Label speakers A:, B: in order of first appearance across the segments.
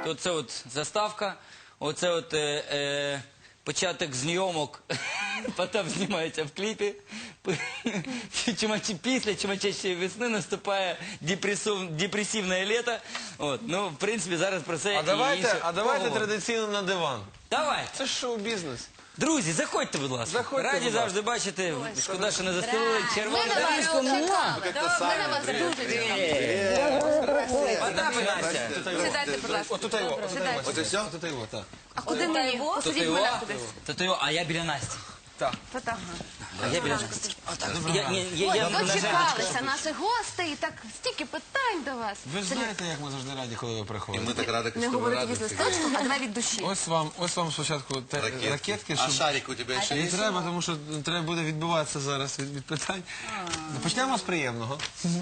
A: Оце от заставка, оце от початок зйомок, Потап знімається в кліпі. Після чумачащої весни наступає депресивне літо. Ну, в принципі, зараз про це і інше.
B: А давайте традиційно на диван.
A: Давайте.
B: Це ж шоу-бізнес.
A: Друзі, заходьте, будь ласка. Раді завжди бачити. Шкода, що не застелили червону доріжку.
C: Ми на вас дуже чекали.
A: Потап і Настя.
C: Сідайте, будь ласка.
B: Отут його.
C: Сідайте.
B: Оце все? Тут його, так.
C: А куди мені? Посадіть мене кудись.
A: А я біля Насті.
B: Так.
A: А я біля Насті.
C: Дочекалися наші гості і так стільки питань до вас.
B: Ви ж знаєте, як ми завжди раді, коли ви приходите.
D: Мы так рады,
C: Не
D: что вы
C: говорити від
D: рады.
C: листочку, а давай від душі.
B: Ось вам спочатку ракетки,
D: А
B: щоб...
D: шарик у тебя еще
B: І
D: есть?
B: треба, тому що треба буде відбиватися зараз від питань. Почнемо з приємного.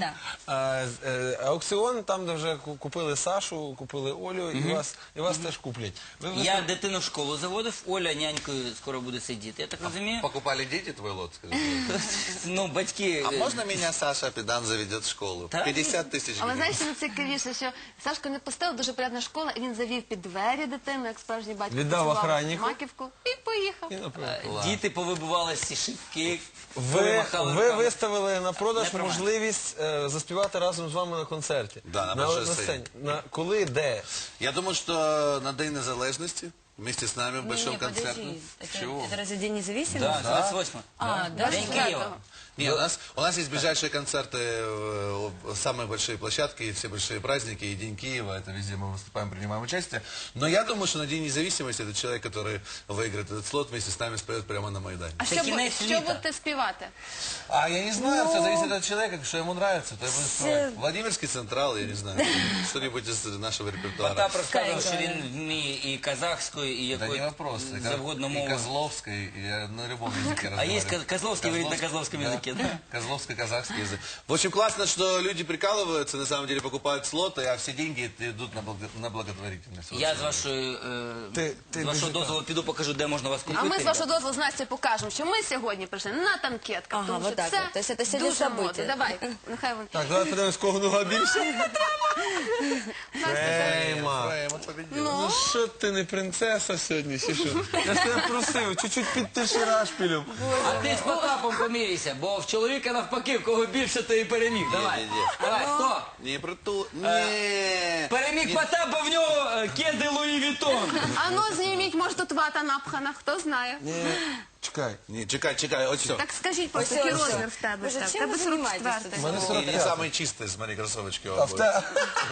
B: Аукціон, там, де вже купили Сашу, купили Олю, і вас теж куплять.
A: Я дитину в школу заводив, Оля нянькою скоро буде сидіти. Я так розумію?
D: Покупали дети твой лот, скажи?
A: Ну, батьки...
D: А можно меня Саша Педан заведет в школу?
A: Да.
D: 50 тысяч
C: Але
D: гривен.
C: знаєш, що найцікавіше, що Сашко не пустив, дуже приємна школа, і він завів під двері дитину, як справжній батько.
B: Віддав
C: поцілував
B: охраннику.
C: маківку і поїхав.
A: Діти повибивали всі шибки.
B: Ви виставили на продаж
A: Не про мене.
B: можливість заспівати разом з вами на концерті.
D: Да, на большой сцені.
B: Коли, де?
D: Я думаю, что на День Незалежности вместе с нами в большом концерте. Чего?
E: Это разве День независимости?
A: Да, 28.
E: Да,
A: День Києва.
D: Нет, у нас есть ближайшие концерты, самые большие площадки, все большие праздники, и День Киева, это везде мы выступаем, принимаем участие. Но я думаю, что на День независимости этот человек, который выиграет этот слот, вместе с нами споет прямо на Майдане.
C: А
A: Це
C: що
A: кінець
C: що
A: літа.
C: будете співати?
D: А я не знаю, все зависит от человека, что ему нравится, то я буду спевать. Владимирский Централ, я не знаю, что-нибудь из нашего репертуара.
A: Потап розказував, що він вміє і казахською, і
D: Да не
A: якою
D: вопрос.
A: завгодно
D: И
A: мовою.
D: Козловской, и я на любом языке
A: А
D: разговариваю.
A: есть Козловский говорит на козловском языке, да?
D: Козловско-казахский язык. В общем, классно, что люди прикалываются, на самом деле покупают слоты, а все деньги идут на благотворительность. Вот
A: Я
D: что
A: з вашої,
B: Ти
A: з вашого дозволу піду покажу, де можна вас купити.
C: А ми з вашого дозволу з Настю покажемо, що ми сьогодні прийшли на танкетках.
E: Ага,
C: тому що
E: вот так
C: це
E: вот. То есть это сегодня
C: дуже
E: событие.
C: модно. Давай, нехай вони.
B: Так, давай подивимось, кого нога більше. Фрейма.
D: Фрейм победил.
B: Ну що ти не принцеса сьогодні, чи що? Я ж тебе просив, чуть-чуть підтиши рашпілем.
A: А ти з Потапом поміряйся, бо в чоловіка навпаки, в кого більше, то і переміг. Давай,
D: Не-не-не.
A: давай, хто?
D: Не про ту... Не.
A: Переміг Потап, бо в нього кеди Луї Вітон.
C: А ну зніміть, може тут вата напхана, хто знає.
B: Чекай.
D: Не, чекай, вот все.
C: Так скажіть просто, який розмір в тебе?
E: Боже,
C: В
E: чим
C: тебе
E: ви займаєтесь
C: 44-й.
B: У мене
D: Не
B: 45.
D: самые чистые, смотри, кроссовочки
B: А в те-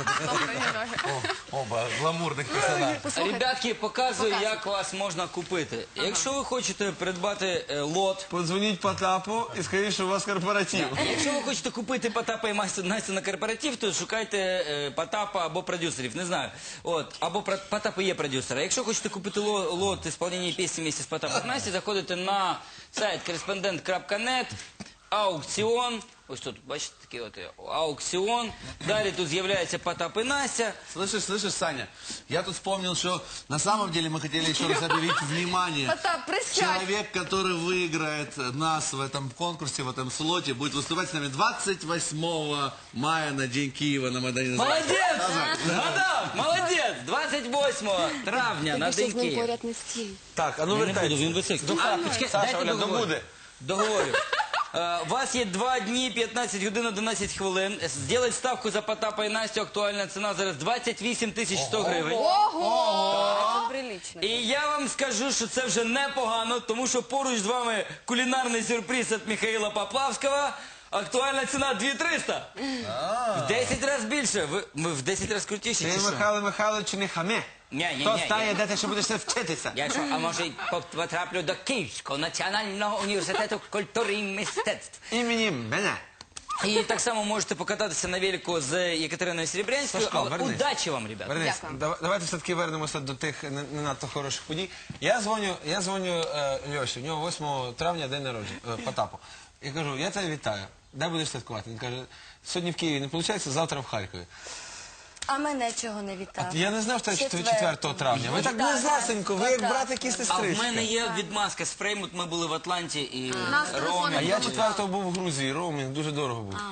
D: оба гламурных персонажей.
A: Ребятки, показую, як вас можна купити. Якщо ви хочете придбати лот,
B: Подзвоніть Потапу і скажіть, що у вас корпоратив.
A: якщо ви хочете купити Потапа і Настю на корпоратив, то шукайте Потапа або продюсерів, не знаю. Або Потап і є продюсер. А якщо хочете купити лот ісполнення пісні вместе з Потапом і Настю, заходите на сайт correspondent.net, аукціон. Ось тут, бачите, такий от аукціон. Далі тут з'являється Потап і Настя.
D: Слышишь, Саня, я тут вспомнил, что на самом деле мы хотели еще раз объявить внимание.
C: Потап, присядь.
D: Человек, который выиграет нас в этом конкурсе, в этом слоте, будет выступать с нами 28 мая на День Киева на Майдане.
A: Молодець! Згадав! Молодець! 28 травня на День Києва.
E: поряд не стіль.
B: Так, а ну
A: Я не буду,
B: вертайся.
A: він високий. Почекай,
B: Саша,
A: дайте
B: Оля,
A: договорю.
B: добуде.
A: Договорю. У вас є 2 дні, 15 годин, 11 хвилин. Зробіть ставку за Потапа і Настю. Актуальна ціна зараз 28 100 гривень.
E: Это прилично.
A: І я вам скажу, що це вже непогано, тому що поруч з вами кулінарний сюрприз від Михайла Поплавського. Актуальна ціна 2300. В 10 разів більше. Ми в 10 разів крутіші,
B: Ти,
A: чи що?
B: Михайло Михайлович, не хаме.
A: Ні.
B: Хто стає, де ти ще будеш вчитися?
A: Я що, а може й потраплю до Київського національного університету культури і мистецтв.
B: Імені мене.
A: І так само можете покататися на велику з Єкатериною Серебрянською.
B: Сашко,
A: Але
B: вернись.
A: удачі вам, ребята.
B: Вернись,
C: Дякую.
B: давайте все-таки вернемося до тих не надто хороших подій. Я дзвоню Льоші, в нього 8 травня день народження, Потапу. Я кажу, я тебе вітаю. Де будеш святкувати? Він каже, сьогодні в Києві не виходить, завтра в Харкові.
E: А мене чого не вітав?
B: Я не знав, що це 4
E: Четвертого.
B: травня. Ви так
E: Так,
B: близесенько, ви як
E: так.
B: брат, які
A: А в
B: сестрички.
A: мене є відмазка з Фреймут, ми були в Атланті і
C: Нас
B: А
C: телефони
B: я 4-го був в Грузії, роумінг дуже дорого був.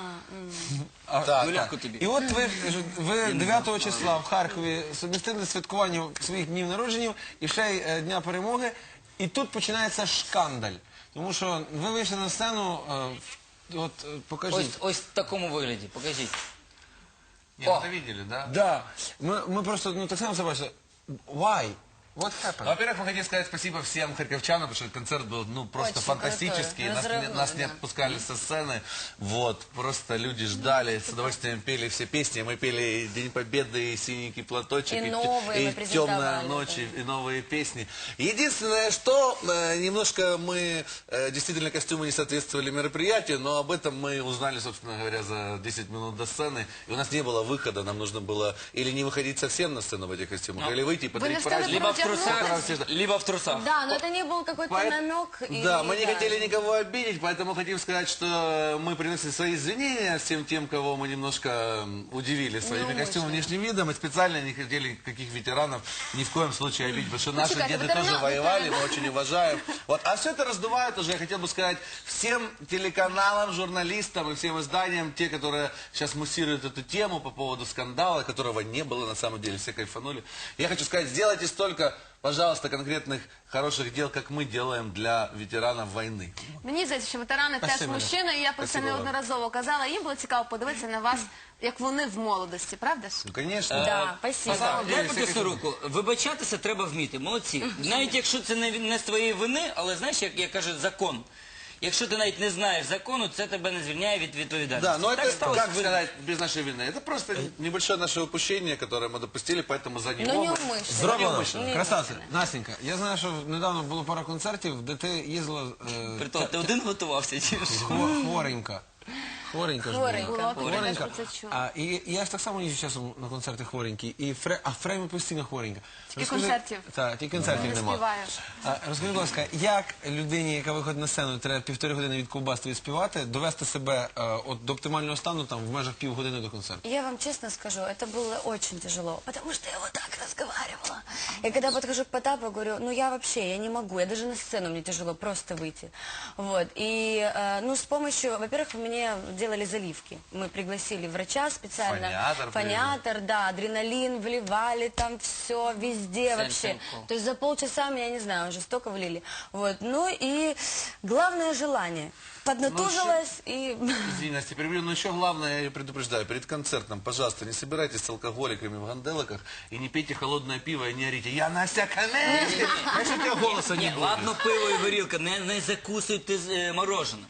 A: Юляку тобі.
B: І от ви 9 числа в Харкові сумістили святкування своїх днів народження і ще й Дня Перемоги. І тут починається шкандаль. Тому що ви вийшли на сцену, покажіть.
A: Ось в такому вигляді, покажіть.
D: Нет, это видели, да?
B: Да. Ми просто, так само забачили. Why? What happened?
D: Во-первых, мы хотим сказать спасибо всем харьковчанам, потому что концерт был просто
E: Очень
D: фантастический.
E: крутой, разрывной,
D: Нас не
E: да.
D: отпускали со сцены. Вот, просто люди ждали, с удовольствием пели все песни. Мы пели и День Победы, и Синенький платочек,
E: И новые мы
D: и
E: презентовали,
D: Темная ночь, и новые песни. Единственное, что немножко мы действительно костюмы не соответствовали мероприятию, но об этом мы узнали, собственно говоря, за 10 минут до сцены. И у нас не было выхода, нам нужно было или не выходить совсем на сцену в этих костюмах, или выйти и подарить
C: не стали
D: праздник.
A: Либо в трусах,
C: Протягнутися?
A: либо в трусах.
E: Да, но это не был какой-то
D: Поэт-
E: намек. и-
D: Да, мы не хотели никого обидеть, поэтому хотим сказать, что мы приносим свои извинения всем тем, кого мы немножко удивили своими костюмами, внешним видом, и специально не хотели никаких ветеранов ни в коем случае обидеть, потому что наши
C: чекайте,
D: деды
C: ветерана-
D: тоже воевали, мы очень уважаем. Вот. А все это раздувает уже, я хотел бы сказать, всем телеканалам, журналистам и всем изданиям, те, которые сейчас муссируют эту тему по поводу скандала, которого не было на самом деле, все кайфанули. Я хочу сказать, сделайте столько, пожалуйста, конкретных хороших дел, как мы делаем для ветеранов войны.
C: Мені здається, що ветерани теж
B: Спасибо,
C: мужчини, і я про це
D: Спасибо вам.
C: неодноразово казала. Їм було цікаво подивитися на вас, як вони в молодості, правда ж?
D: Ну, конечно.
E: Да, спасибо.
A: Дай
D: деле,
A: потисну руку. Вибачатися треба вміти. Молодці. Навіть якщо це не з твоєї вини, але знаєш, як кажуть, закон. Якщо ти навіть не знаєш закону, це тебе не звільняє від відповідальності.
D: Да, но
A: Так
D: это,
A: сталося.
D: как сказать, без нашей вины. Это просто небольшое наше упущение, которое мы допустили, поэтому за него
E: Ну, не
D: мы...
E: умышленно.
B: Зроблено.
E: Неумишленно.
B: Красавці. Настенька, я знаю, що недавно було пара концертів, де ти їздила
A: Притом, ти один готувався, чи ж?
B: хворенька. Хворенька ж
E: Хворенька.
B: була.
C: Було, я теж про це чула.
B: І я ж так само їжджу часом на концерти хворенькі, а Фреймі постійно хворенька.
C: концертів.
B: Так, тільки концертів
C: Не
B: немає.
C: співає.
B: Розкажи, будь ласка, як людині, яка виходить на сцену, треба 1,5 години від ковбасти співати, довести себе до оптимального стану там в межах півгодини до концерту?
E: Я вам честно скажу, это было очень тяжело, потому что я вот так разговаривала. Я когда подхожу к Потапу, говорю, ну я вообще, я не могу, я даже на сцену мне тяжело просто выйти. Вот, и, ну, с помощью, во-первых, мне делали заливки. Мы пригласили врача специально. Фониатор, да, адреналин вливали там все, везде вообще.
A: Сенсенко.
E: То есть за полчаса меня, не знаю, уже столько влили. Вот, ну и главное желание. Поднатужилась и...
D: Извини, Настя, перебью, но еще главное, я предупреждаю, перед концертом, пожалуйста, не собирайтесь с алкоголиками в ганделоках и не пейте холодное пиво и не орите. Я Настя Каменский! Конечно, у тебя голоса не
A: Ні,
D: будет.
A: ладно, пиво і горілка, не закусуйте мороженое.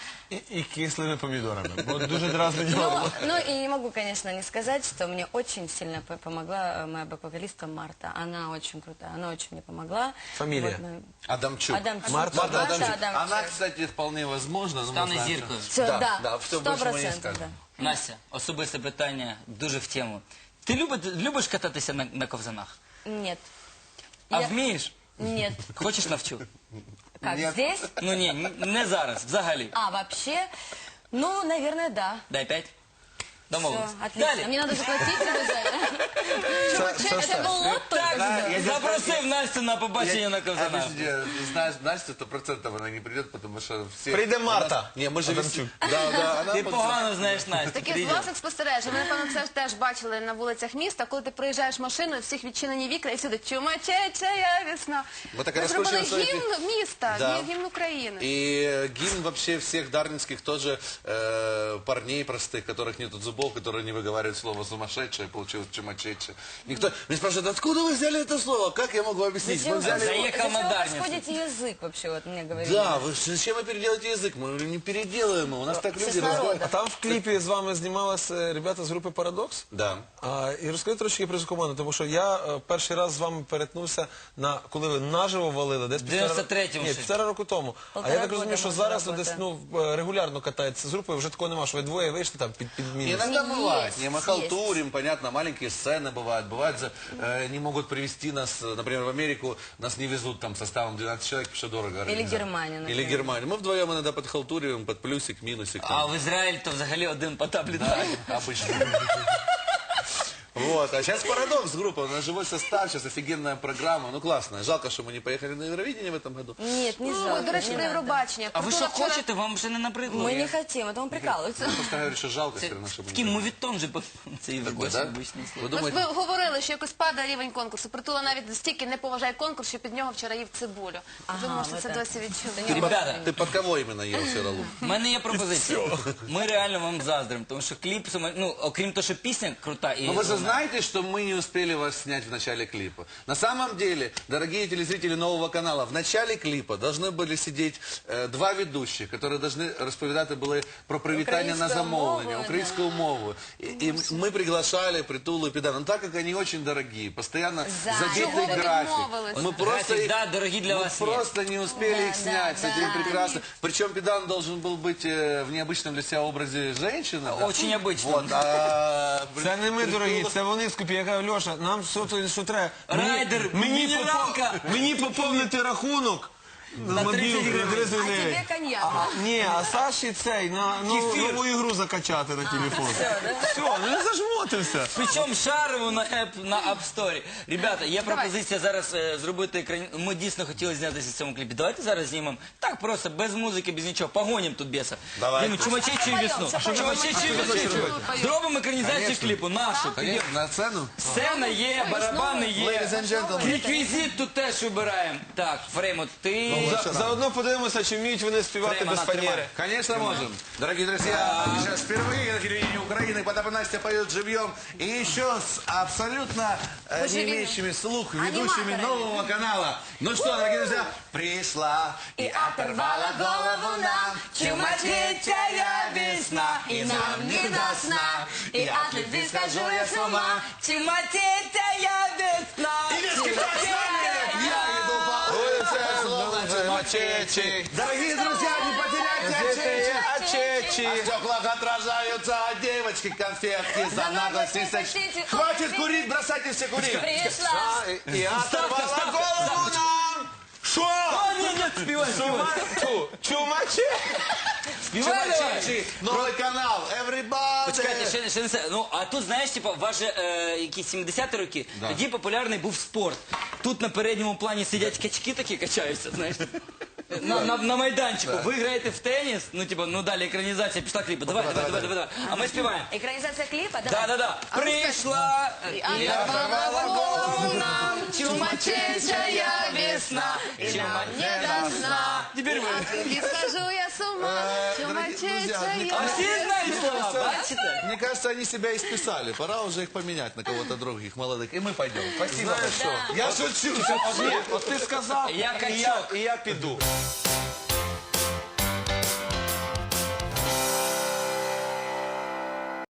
B: І кислими помідорами, бо дуже дразнить горло.
E: Ну и не могу, конечно, не сказать, что мне очень сильно помогла моя бэк-вокалистка Марта. Она очень крутая, она очень мне помогла.
B: Фамилия?
E: Вот мы-
D: Адамчук.
E: Адамчук.
B: Марта
D: Марта
E: Адамчук.
D: Адамчук. Она, кстати, вполне возможно. но мы
A: Стане
D: знаем,
A: зіркою.
D: что-
E: Все, да,
D: да, все больше мы не
E: 100%,
D: скажем.
E: да.
A: Настя, особисте питання, дуже в тему. Ти любиш кататися на ковзанах?
E: Нет.
A: А
E: Я-
A: вмієш?
E: Нет.
A: Хочеш навчу?
E: Как,
D: Нет.
E: здесь?
A: Ну ні, не зараз, взагалі.
E: А, вообще? Ну, наверное, да.
A: Дай 5. Домовились.
E: Всё, отлично.
A: Далі.
C: Мне надо заплатить за это.
E: Это был лот только.
A: Так,
D: я
A: запросив Настю на побачення на ковзанах.
D: Подожди, знаешь, Настя 100% она не придет, потому что все...
B: Прийде Марта.
D: Не, мы же
B: Адамчук.
D: Да, она...
A: Ти погано знаєш Настю.
C: Таке з
A: Прийде.
C: власних спостережень. Ви, напевно, це теж бачили на вулицях міста, коли ти проїжджаєш машиною, всіх відчинені вікна, і всюди чумачечая весна.
D: Ви так
C: Ми зробили
D: розкручуємо свої
C: гімн міста,
D: Да.
C: гімн України.
D: И гимн вообще всех дарнинских тоже парней простых, которых нету зубов, которые не выговаривают слово сумасшедшее, получилось чумачече. Никто не спрашивает, откуда вы взяли это слово? Как я могу объяснить? Мы
E: Зачем
D: взяли его...
A: Заехал на
E: зачем вы
A: Дарницу.
E: расходите язык вообще, вот мне говорили.
D: Да, вы зачем вы переделаете язык? Мы не переделаем его. У нас так люди
E: Честно,
D: разговаривают.
B: А там в кліпі з вами знімалися ребята з групи «Парадокс»?
D: Да.
B: І розкажи трошки про цю команду, тому що я перший раз з вами перетнувся, коли ви наживо валили, десь
A: 93-му
B: Ні,
A: ще.
B: 1,5 року тому. А
E: Полтора
B: я так
E: года
B: розумію, що
E: ми
B: зараз
E: вже
B: ви десь
E: работаємо.
B: регулярно катаєтеся з групою, вже такого нема, що ви двоє вийшли там під мінус.
D: Иногда бывает.
E: Есть,
D: Не, мы халтурим, понятно, маленькие сцены бывают. Бывает, не могут привезти нас, например, в Америку, нас не везут там составом 12 человек, потому что дорого. организовать.
E: Германию,
D: Или
E: например.
D: Германию. Мы вдвоем иногда подхалтуриваем, под плюсик, минусик.
A: А
D: там.
A: в Ізраїль то взагалі один Потап літає.
D: Обычно. Вот. А сейчас парадокс группа. У нас живой состав, сейчас офигенная программа. Ну, классная. Жалко, что мы не поехали на Евровидение в этом году.
E: Нет, не
C: Ну,
E: жалко.
C: до речі,
E: не
C: до
E: надо.
C: Євробачення.
A: А ви що
C: Притула вчора-
A: хочете? Вам вже не набридло?
E: Мы
A: Я-
E: не хотим, это он прикалывается.
D: Просто говорю, что жалко все равно, чтобы...
A: Такий мовітон же це і
D: Такой, да?
A: обичне слово.
D: Вы
C: Ми
D: думаете...
C: говорили, що якось падає рівень конкурсу. Притула навіть стільки не поважає конкурс, що під нього вчора їв цибулю. Ви можете це досі відчути.
A: Ребята,
D: Ты под кого именно ел сиролу?
A: в мене є пропозиція. Ми реально вам заздримо, тому що кліп, ну, окрім того, що пісня крута і...
D: Но вы же знаете, что мы не успели вас снять в начале клипа. На самом деле, дорогие телезрители нового канала, в начале клипа должны были сидеть два ведущих, которые должны розповідати були про привітання на
E: Українською
D: замовлення,
E: мовою,
D: украинскую мову. И мы приглашали Притулу и Педана. Но так как они очень дорогие, постоянно
E: Чого
D: забитый
C: ви
D: график.
C: відмовились?
D: Мы просто,
A: График,
D: их-
A: да, дорогие для
D: мы
A: вас
D: просто не успели
E: Да,
D: их снять.
E: да,
D: С этим
E: да.
D: прекрасно. Причем Педан должен был быть в необычном для себя образе женщины. да?
A: Очень обычном.
D: Вот, а
B: Це не ми, дорогі, це вони скупі. Я кажу, Льоша, нам що треба?
A: Райдер, мінералка.
B: Мені поповнити рахунок на
A: 30
B: мобілку на
A: гривень.
B: 30
E: А
B: гривень.
E: тебе коньяк.
B: Ні, а Саші цей, на
A: Кефір.
B: нову ігру закачати на телефон. Все, ну не зажмотився.
A: Причому шарову на App Store. Ребята, є пропозиція зараз зробити екрані... Ми дійсно хотіли знятися в цьому кліпі. Давайте зараз знімемо. Так просто, без музики, без нічого. Погонім тут біса.
D: Давай.
A: Знімемо Чумачечу весну. Чумачечу весну. Зробимо екранізацію кліпу. Нашу.
D: Конечно, на сцену.
A: Сцена є, барабани є.
D: Ladies and gentlemen.
A: Реквізит тут теж вибираємо. Так, Фреймо, ти...
B: Заодно подивимося, чи вміють вони співати
A: Прямо
B: без
A: на
B: фанери.
A: тримай.
D: Конечно, можем. Дорогие друзья, сейчас впервые на телевидении Украины Потап и Настя поют живьем. И еще с абсолютно не
C: живьем.
D: имеющими слух ведущими
C: Аниматорами.
D: нового канала. Ну что, дорогие друзья, пришла
E: И оторвала голову нам чумачечая весна, и нам не до сна. И от любви схожу я с ума, чумачечая весна.
D: Я иду по улице,
B: Мачечі.
D: Дорогие друзья, не потеряйте
B: Ачечі.
D: В стеклах отражаются девочки, конфетки, за наглость и секс. Хватит курить, бросайте все курить.
E: Пришла.
B: І оторвала голову нам. Що?
A: Ні, співай, співай.
B: Чумачі.
A: Співай, давай.
D: Чумачечи, новый канал, everybody.
A: Почекайте, ще не все. Ну, а тут, знаєш, типу, у вас же якісь 70-ті роки, тоді популярний був спорт. Тут на передньому плані сидять качки такі качаються, знаєш. На майданчику. Ви граєте в теніс, ну, типу, ну далі екранізація пішла кліпу. Давай. А ми співаємо.
E: Экранизация клипа, давай.
A: Да. Прийшла і
C: Оторвала голову нам чумачечая весна, и нам не до сна.
A: Теперь ви.
C: От любви схожу я с ума, чумачечая
A: А всі знають слова,
C: весна.
A: бачите?
D: Мне кажется, они себя исписали. Пора уже их поменять на кого-то других, молодых. И мы пойдем. Спасибо большое. Я шучу.
B: От ти сказав,
A: Я
B: і
A: качок.
B: і я піду.